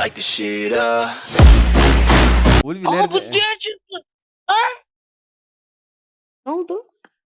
light the shit up. Ulvi Ama bu nerede? diğer çıktı. Ne oldu?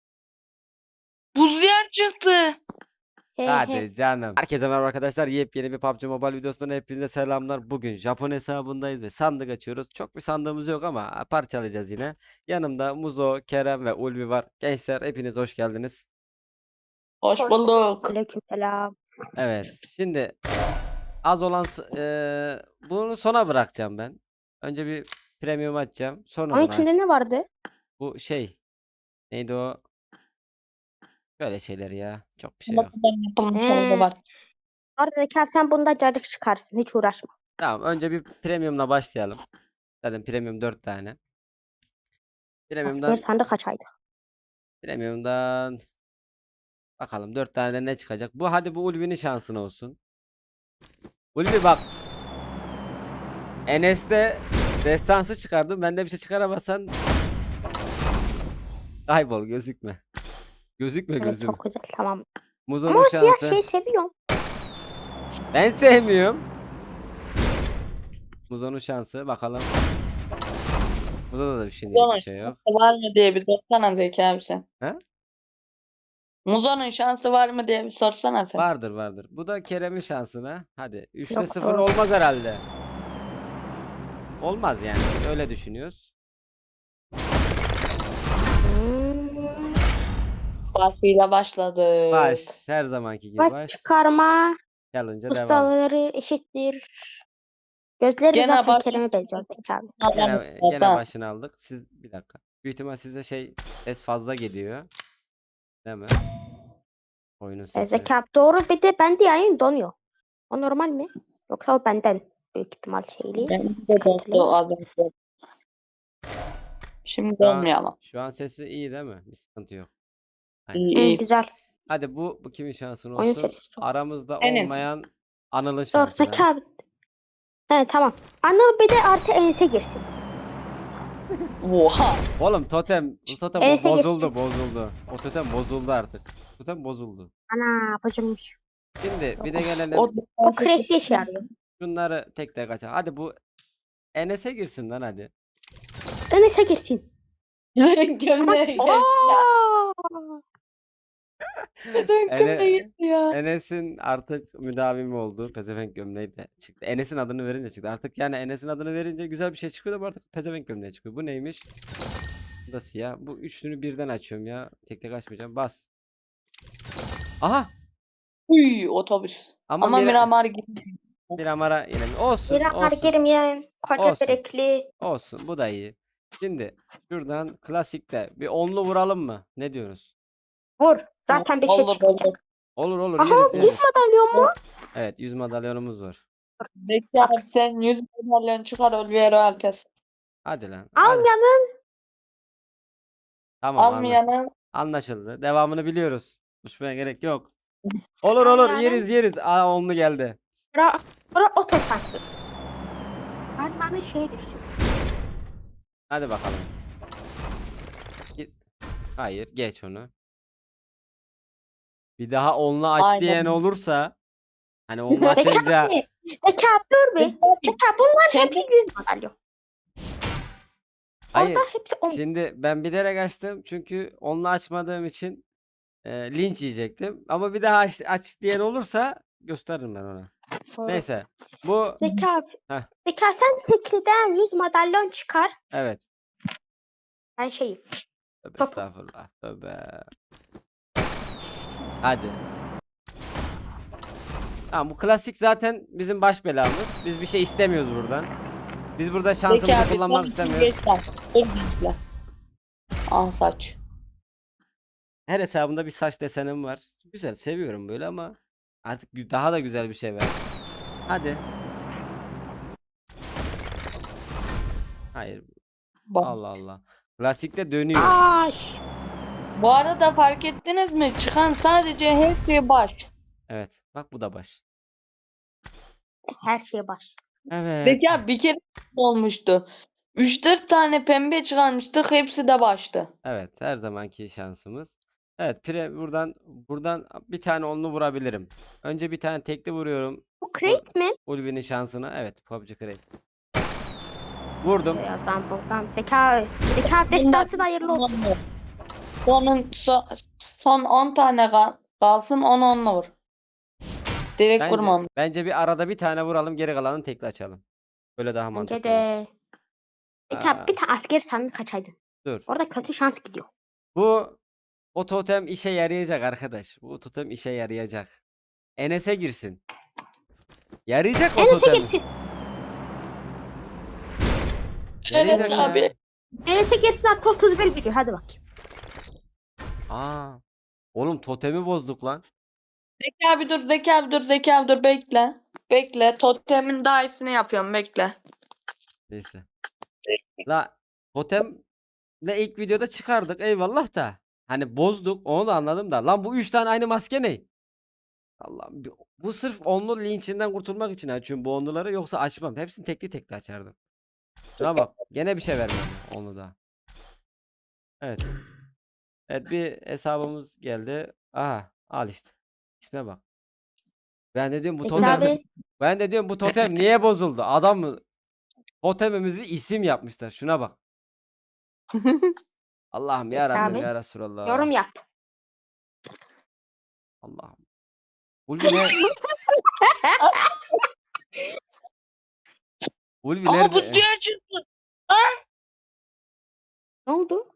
Buz yer çıktı. He Hadi he. canım. Herkese merhaba arkadaşlar. Yepyeni bir PUBG Mobile videosundan hepinize selamlar. Bugün Japon hesabındayız ve sandık açıyoruz. Çok bir sandığımız yok ama parçalayacağız yine. Yanımda Muzo, Kerem ve Ulvi var. Gençler hepiniz hoş geldiniz. Hoş bulduk. Aleykümselam. Evet. Şimdi az olan bunu sona bırakacağım ben. Önce bir premium açacağım. Sonra Onun bunu içinde aç. ne vardı? Bu şey. Neydi o? Böyle şeyler ya. Çok bir şey yok. Yapılmış He. orada var. Orada sen bunda cacık çıkarsın. Hiç uğraşma. Tamam. Önce bir premiumla başlayalım. Zaten premium 4 tane. Premium'dan Asker sandık açaydık. Premium'dan bakalım 4 tane de ne çıkacak. Bu Ulvi'nin şansına olsun. Ulvi bak. Enes'te destansı çıkardım. Bende bir şey çıkaramazsan kaybol, gözükme. Gözükme Evet gözüm. çok güzel tamam. Ama Muzo'nun o siyah şansı. şeyi seviyorum. Ben sevmiyorum. Muzo'nun şansı bakalım. Muzo'da da bir şimdilik bir şey yok. Var mı diye bir sorsana Zeki abi sen. He? Muzo'nun şansı var mı diye bir sorsana sen. Vardır vardır. Bu da Kerem'in şansına. Hadi 3'te Yok, 0 yok. olmaz herhalde. Olmaz yani. Biz öyle düşünüyoruz. Başıyla başladık. Baş her zamanki gibi Baş baş. çıkarma Challenge'a devam. ustaları eşittir. Gözleri Gene zaten baş- Kerem'e benziyor Zeki abi. Gene başını aldık. Siz bir dakika. Büyük ihtimal size ses fazla geliyor. Değil mi? Oyunun sesi. Zeki abi doğru bir de bende yayın donuyor. O normal mi? Yoksa o benden büyük ihtimal şeyli. Benim de Sıkıntılı. dostum az önce. Şimdi Şu an, olmayalım. şu an sesi iyi değil mi? Bir sıkıntı yok. İyi, Hı, iyi. güzel. Hadi bu kimin şansın Oyun olsun? sesi çok. Aramızda Enes. olmayan Anıl'ın Doğru şansına. Zeki abi. He tamam. Anıl bir de artı Enes'e girsin. Oha. Oğlum bu totem Enes'e bozuldu geçti. bozuldu. O totem bozuldu artık. Totem bozuldu. Ana bacımmış. Şimdi bir de gelelim. O crackli işe yarıyor. Şunları tek tek açalım. Hadi bu Enes'e girsin lan hadi. Enes'e girsin. Gömleğe geldi ya. Aa! Gömleğe gitti ya. Enes'in artık müdavimi oldu. Pezevenk gömleği de çıktı. Enes'in adını verince çıktı. Artık yani Enes'in adını verince güzel bir şey çıkıyor da bu artık pezevenk gömleği çıkıyor. Bu neymiş? Bu da siyah. Bu üçlünü birden açıyorum ya. Tek tek açmayacağım. Bas. Aha! Uy otobüs. Ama Miramar gibi. Miramar'a yine olsun. Miramar Olsun. girmeyen koca Olsun. yürekli. Olsun. Bu da iyi. Şimdi şuradan klasikte bir onlu vuralım mı? Ne diyoruz? Vur. Zaten bir şey Olur, çıkmayacak. Olur olur Aha yeriz 100 yeriz. madalyon mu? Evet 100 madalyonumuz var. Zeki abi sen 100 madalyon çıkar Oliviero Alpes. Hadi lan. Hadi. Almayanın Tamam Almayanın anlaşıldı. Devamını biliyoruz. Konuşmaya gerek yok. Olur olur Yani- yeriz. Aa onlu geldi. bura otosansür. Almanın şey düştü. Hadi bakalım. Hayır geç onu. Bir daha onlu aç Aynen. diyen olursa hani onlu Zeki açınca abi. Zeki abi dur bir. Zeki abi bunların Kendi- hepsi 100 madalyon. hayır. Orada hepsi 10. Şimdi ben bilerek açtım çünkü onlu açmadığım için linç yiyecektim. Ama bir daha aç diyen olursa gösteririm ben ona. Doğru. Neyse. Bu Zeki abi. Heh. Zeki abi sen tekliden 100 madalyon çıkar. evet. Ben şeyim. Tövbe Topu. estağfurullah. Tövbe. Hadi. Tamam bu klasik zaten bizim baş belamız. Biz bir şey istemiyoruz buradan. Biz burada Zeki şansımızı abi kullanmak son istemiyoruz. geç bak. Dur bekle. Ah saç. Her hesabımda bir saç desenim var. Güzel seviyorum böyle ama artık daha da güzel bir şey ver. Hadi. Hayır. Bak. Allah Allah. Klasikte dönüyor. Ay. Bu arada fark ettiniz mi? Çıkan sadece her şey baş. Evet. Bak bu da baş. Her şey baş. Evet. Peki abi bir kere olmuştu. 3-4 tane pembe çıkarmıştık. Hepsi de baştı. Evet. Her zamanki şansımız. Evet. Buradan bir tane onlu vurabilirim. Önce bir tane tekli vuruyorum. Bu Crate mi? Ulvi'nin şansına. Evet, PUBG Crate. Vurdum. Birazdan buradan. Zeka destansı da hayırlı olsun. Son 10 tane kalsın 10 vur. Direkt vurma onu. Bence bir arada bir tane vuralım, geri kalanını tekli açalım. Böyle daha Bence mantıklı olur. de. Zeka Aa, bir tane asker sandık kaçaydın. dur. Orada kötü şans gidiyor. O totem işe yarayacak arkadaş. Bu totem işe yarayacak. Enes'e girsin. Yarayacak o Enes'e totem. girsin. Yarayacak Evet ya. abi. Enes'e girsin artık 31 gücü. Hadi bakayım. Aa. Oğlum totemi bozduk lan. Zeki abi dur, Zeki abi dur, Zeki abi dur, bekle. Bekle, totemin daha iyisini yapıyorum, bekle. Neyse. La totemle ilk videoda çıkardık eyvallah da. Hani bozduk onu da anladım da. Lan bu 3 tane aynı maske ne? Allah'ım bu sırf onlu linçinden kurtulmak için açıyorum bu onluları, yoksa açmam. Hepsini tekli tekli açardım. Şuna bak gene bir şey vermedi onu da. Evet. Evet, bir hesabımız geldi. Aha al işte. İsme bak. Ben de diyorum bu Zeki totem. abi. Ben de diyorum bu totem niye bozuldu? Adam mı? Totemimizi isim yapmışlar. Şuna bak. Allah'ım ya Zeki Rabbim abi. ya Resulallah. Yorum yap. Allah'ım. Ulvi ne? Ulvi Ama bu nerede? diğer çıktı. Ne oldu?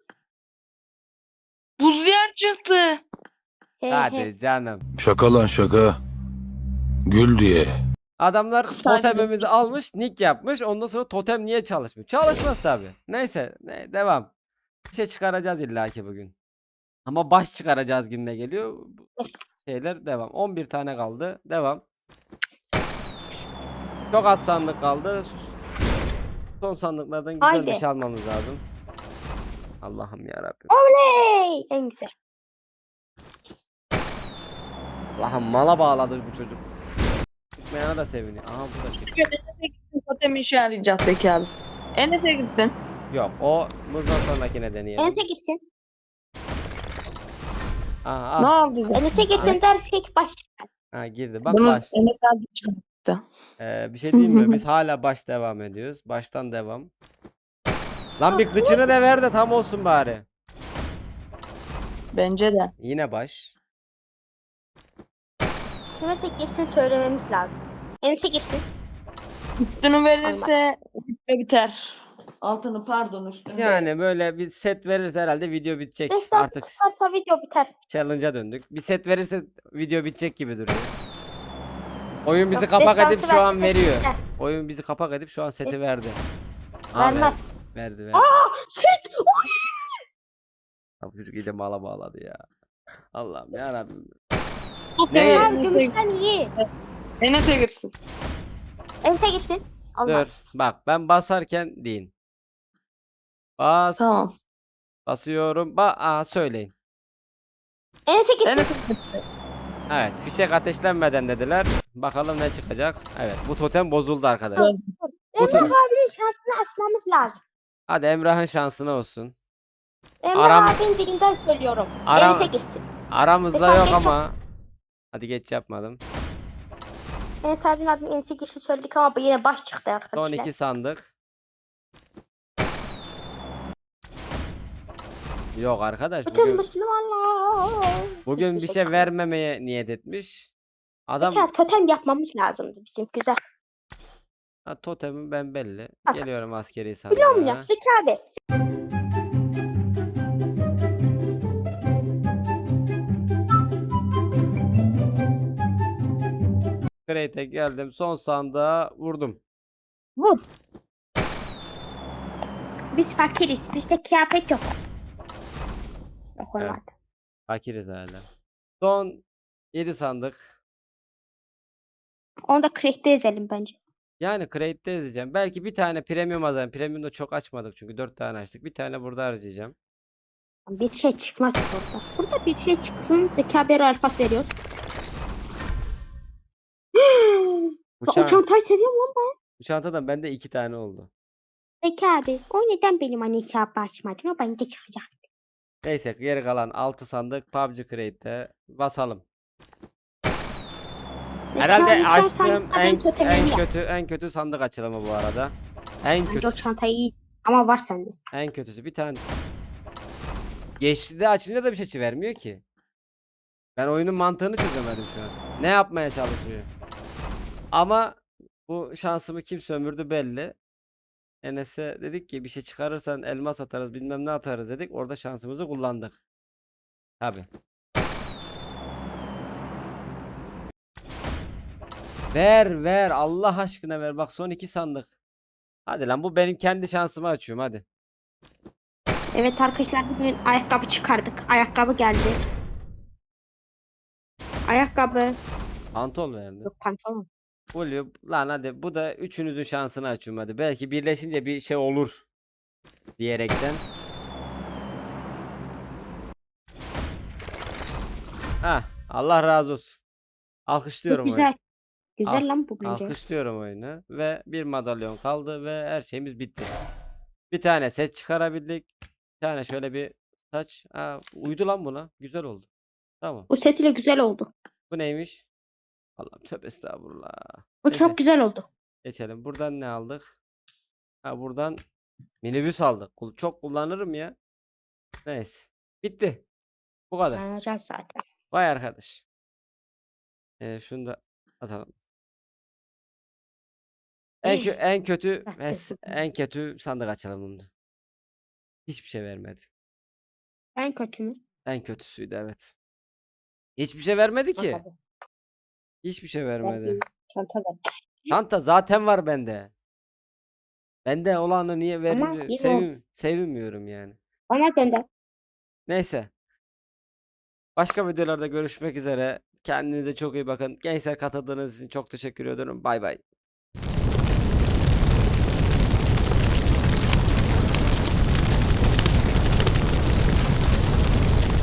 Buz yer çıktı. He he. Hadi canım. Şaka lan şaka. Gül diye. Adamlar Sadece- totemimizi almış, nick yapmış. Ondan sonra totem niye çalışmıyor? Çalışmaz tabi. Neyse, devam. Bir şey çıkaracağız illaki bugün. Ama baş çıkaracağız gibime geliyor. Bu şeyler devam. 11 tane kaldı. Devam. Çok az sandık kaldı. Son sandıklardan güzel bir Haydi. şey almamız lazım. Allah'ım ya Rabbim. Hey! En güzel. Allah'ım mala bağladı bu çocuk. Çıkmayana da seviniyor. Aha bu da çıktı. Enes'e gitsin, totem işe yarayacak Zeki abi. Enes'e gitsin. Yok o bundan sonrakine deneyelim. Enes'e girsin. Aha, Ne al. oldu? Enes'e girsin dersek baş. Ha, girdi. Bak Bunu baş. Enes abi çıktı. Bir şey diyeyim mi? Biz hala baş devam ediyoruz. Baştan devam. Lan bir kıçını da ver de tam olsun bari. Bence de. Yine baş. Enes'e girsin söylememiz lazım. Enes'e girsin. Üstünü verirse video biter. Altını pardon üstünü. Yani böyle bir set verirse herhalde video bitecek. Destan Artık çıkarsa video biter. challenge'a döndük. Bir set verirse video bitecek gibi duruyor. Oyun bizi Yok, kapak edip destansı şu an verse veriyor. biter. Oyun bizi kapak edip şu an seti verdi. Aa, Vermez. verdi. Set! Bu çocuk iyice mala bağladı ya. Allah'ım yarabbim. Ne? Tamam gümüşten iyi. Enes'e girsin. Enes'e girsin. Allah. Dur. Bak ben basarken deyin. Bas. Tamam. Basıyorum. Söyleyin. Enes'e girsin. Enes'e girsin. Evet. Fişek ateşlenmeden dediler. Bakalım ne çıkacak. Evet. Bu totem bozuldu arkadaşlar. Bu Emrah abinin şansını açmamız lazım. Hadi Emrah'ın şansına olsun. Emrah Aram- abinin dilinden söylüyorum. Aram- Enes'e girsin. Aramızda Efendim, yok geç ama. Hadi geç yapmadım. Enes abinin adını Enes'e girsin söyledik ama bu yine baş çıktı Son arkadaşlar. 2 sandık. Yok arkadaş Bütün bugün Müslümanlar. bir şey vermemeye niyet etmiş. Adam Tekrar totem yapmamız lazımdı bizim güzel. totemim ben belli. Bak. Geliyorum askeri Biliyor musun sandığa. ya Zeki abi? Crate'e geldim. Son sandığa vurdum. Vur. Biz fakiriz. Bizde kıyafet yok. Yok Evet. olmadı. Fakiriz hala. Son 7 sandık. Onu da crack'te ezelim bence. Yani crate'de ezeceğim. Belki bir tane premium alacağım. Premium'da çok açmadık çünkü 4 tane açtık. Bir tane burada harcayacağım. Bir şey çıkmaz burada. Burada bir şey çıksın. Zeki abi alfas veriyor. Bu, O çan- çantayı seviyorum lan ben. bu çantadan bende 2 tane oldu. Zeki abi o neden benim anne hesabı açmadın? O bende çıkacak. Neyse geri kalan 6 sandık PUBG Crate'te basalım. Herhalde çağırırsan açtığım sen en totemini yap. en kötü sandık açılımı bu arada. En Bence o kötü çantayı iyi ama var sende. en kötüsü bir tane. Geçtiğinde açınca da bir şey vermiyor ki. Ben oyunun mantığını çözemedim şu an. Ne yapmaya çalışıyor? Ama bu şansımı kim sömürdü belli. Enes'e dedik ki bir şey çıkarırsan elmas atarız bilmem ne atarız dedik. Orada şansımızı kullandık. Tabi. Ver Allah aşkına ver. Bak son 2 sandık. Hadi lan bu benim kendi şansımı açıyorum hadi. Evet arkadaşlar bugün ayakkabı çıkardık. Ayakkabı geldi. Ayakkabı. Pantol verdi. Yok pantolon. Oluyor. Lan hadi bu da üçünüzün şansını açıyorum hadi. Belki birleşince bir şey olur. Diyerekten. Ha, Allah razı olsun. Çok Alkışlıyorum güzel. oyunu. Güzel Al- lan bu bence. Alkışlıyorum oyunu ve bir madalyon kaldı ve her şeyimiz bitti. Bir tane set çıkarabildik. Bir tane şöyle bir saç. Aa, uydu lan buna. Güzel oldu. Tamam. Bu set ile güzel oldu. Bu neymiş? Allah'ım tövbe estağfurullah. Bu Neyse, çok güzel oldu. geçelim. Buradan ne aldık? Ha buradan minibüs aldık. Çok kullanırım ya. Neyse. Bitti. Bu kadar. Alacağız zaten. Vay arkadaş. Şunu da atalım. En kötü en kötü sandık açılımımdı. Hiçbir şey vermedi. En kötü mü? En kötüsüydü evet. Hiçbir şey vermedi ki. Bakalım. Hiçbir şey vermedi. Verdiğin çanta ver. Çanta zaten var bende. Bende olanı niye Ama verince yine o- sevinmiyorum yani. Bana gönder. Neyse. Başka videolarda görüşmek üzere. Kendinize çok iyi bakın. Gençler katıldığınız için çok teşekkür ederim. Bay bay.